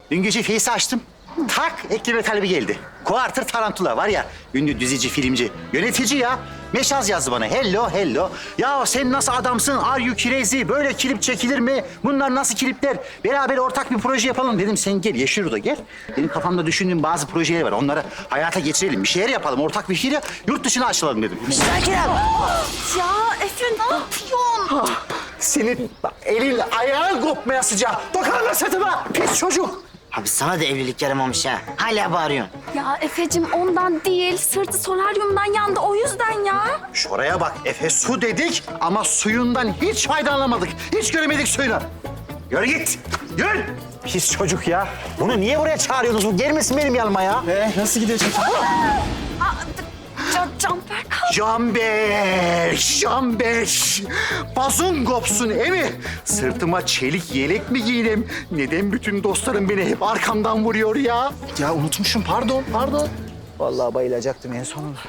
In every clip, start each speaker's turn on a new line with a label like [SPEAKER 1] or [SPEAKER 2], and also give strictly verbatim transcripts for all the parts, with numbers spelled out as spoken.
[SPEAKER 1] Dün gece Face'i açtım. Tak ekleme talebi geldi. Quarter Tarantula var ya, ünlü dizici, filmci, yönetici ya. Meşaz yazdı bana. Hello, hello. Ya sen nasıl adamsın? Are you crazy? Böyle klip çekilir mi? Bunlar nasıl klipler? Beraber ortak bir proje yapalım dedim. Sen gel, Yeşilur'a gel. Benim kafamda düşündüğüm bazı projeler var. Onları hayata geçirelim. Bir şeyler yapalım. Ortak bir şeyle yurt dışına açılalım dedim. Sakin ol.
[SPEAKER 2] Ya Efe ne yapıyorsun?
[SPEAKER 1] Senin elin ayağın kopmaya sıcak. Dokunma sırtıma. Pis çocuk.
[SPEAKER 3] Abi sana da evlilik yaramamış ha. Hala bağırıyorsun.
[SPEAKER 2] Ya Efe'cim ondan değil, sırtı solaryumdan yandı o yüzden ya.
[SPEAKER 1] Şuraya bak Efe, su dedik ama suyundan hiç faydalanamadık. Hiç göremedik suyunu. Yürü git. Yürü. Pis çocuk ya. Bunu niye buraya çağırıyorsunuz? Bu gelmesin benim yanıma ya.
[SPEAKER 4] Ee, nasıl gidiyor çekim?
[SPEAKER 2] Can, Canberk abi.
[SPEAKER 1] Canber, Canber. Bazun kopsun emi. Sırtıma çelik yelek mi giydim? Neden bütün dostlarım beni hep arkamdan vuruyor ya?
[SPEAKER 4] Ya unutmuşum, pardon, pardon.
[SPEAKER 1] Vallahi bayılacaktım en sonunda.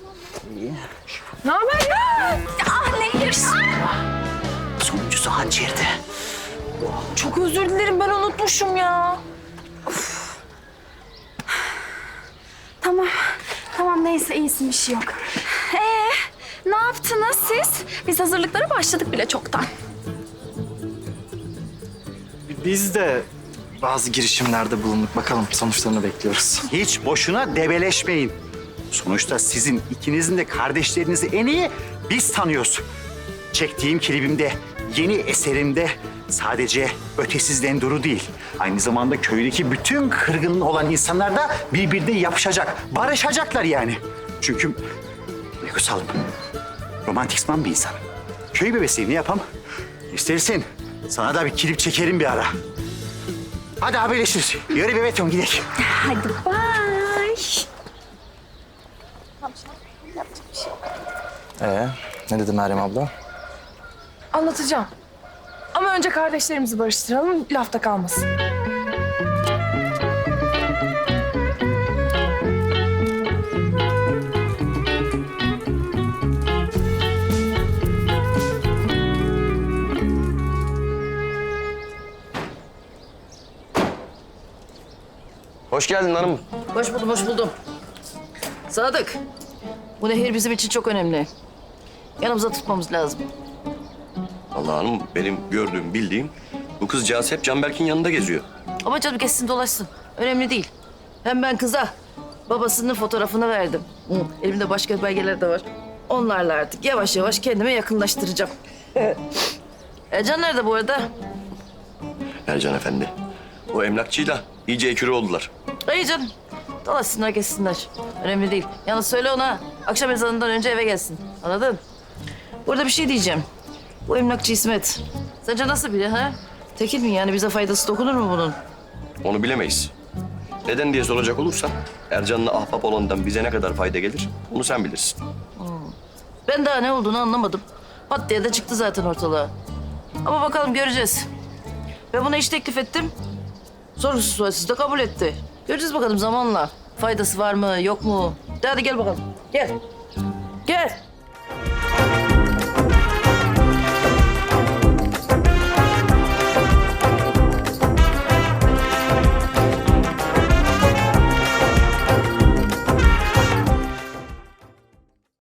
[SPEAKER 2] Ne haber ya? Ah ne hırsın.
[SPEAKER 1] Sonuncusu hançerdi.
[SPEAKER 2] Çok özür dilerim ben unutmuşum ya. Of. Tamam, tamam neyse iyisin bir şey yok. Ee, ne yaptınız siz? Biz hazırlıklara başladık bile çoktan.
[SPEAKER 4] Biz de bazı girişimlerde bulunduk. Bakalım sonuçlarını bekliyoruz.
[SPEAKER 1] Hiç boşuna debeleşmeyin. Sonuçta sizin ikinizin de kardeşlerinizi en iyi biz tanıyoruz. Çektiğim klibimde, yeni eserimde sadece ötesizden duru değil. Aynı zamanda köydeki bütün kırgın olan insanlar da birbirine yapışacak, barışacaklar yani. Çünkü duygusalım, romantikman bir insanım. Köy bebesiyim, ne yapam? İstersen sana da bir klip çekerim bir ara. Hadi haberleşiriz. Yürü bebeğim gidelim.
[SPEAKER 2] Hadi bye.
[SPEAKER 4] Ee, ne dedi Meryem abla?
[SPEAKER 5] Anlatacağım. Ama önce kardeşlerimizi barıştıralım, lafta kalmasın.
[SPEAKER 6] Hoş geldin hanım.
[SPEAKER 7] Hoş buldum, hoş buldum. Sadık, bu nehir bizim için çok önemli. Yanımıza tutmamız lazım.
[SPEAKER 6] Allah hanım benim gördüğüm, bildiğim bu kızcağız hep Canberk'in yanında geziyor.
[SPEAKER 7] Ama canım geçsin dolaşsın. Önemli değil. Hem ben kıza babasının fotoğrafını verdim. Hı, elimde başka belgeler de var. Onlarla artık yavaş yavaş kendime yakınlaştıracağım. Ercan nerede bu arada?
[SPEAKER 6] Ercan Efendi. O emlakçıyla iyice ekürü oldular.
[SPEAKER 7] İyi canım. Dolaşsınlar, geçsinler. Önemli değil. Yalnız söyle ona, akşam ezanından önce eve gelsin. Anladın? Burada bir şey diyeceğim. Bu emlakçı İsmet. Sence nasıl biri ha? Tekil mi yani? Bize faydası dokunur mu bunun?
[SPEAKER 6] Onu bilemeyiz. Neden diye soracak olursan Ercan'la ahbap olandan bize ne kadar fayda gelir onu sen bilirsin.
[SPEAKER 7] Ben daha ne olduğunu anlamadım. Pat diye de çıktı zaten ortalığa. Ama bakalım göreceğiz. Ben buna iş teklif ettim. Sorgusuz sualsiz de kabul etti. Göreceğiz bakalım zamanla. Faydası var mı, yok mu? De hadi gel bakalım. Gel.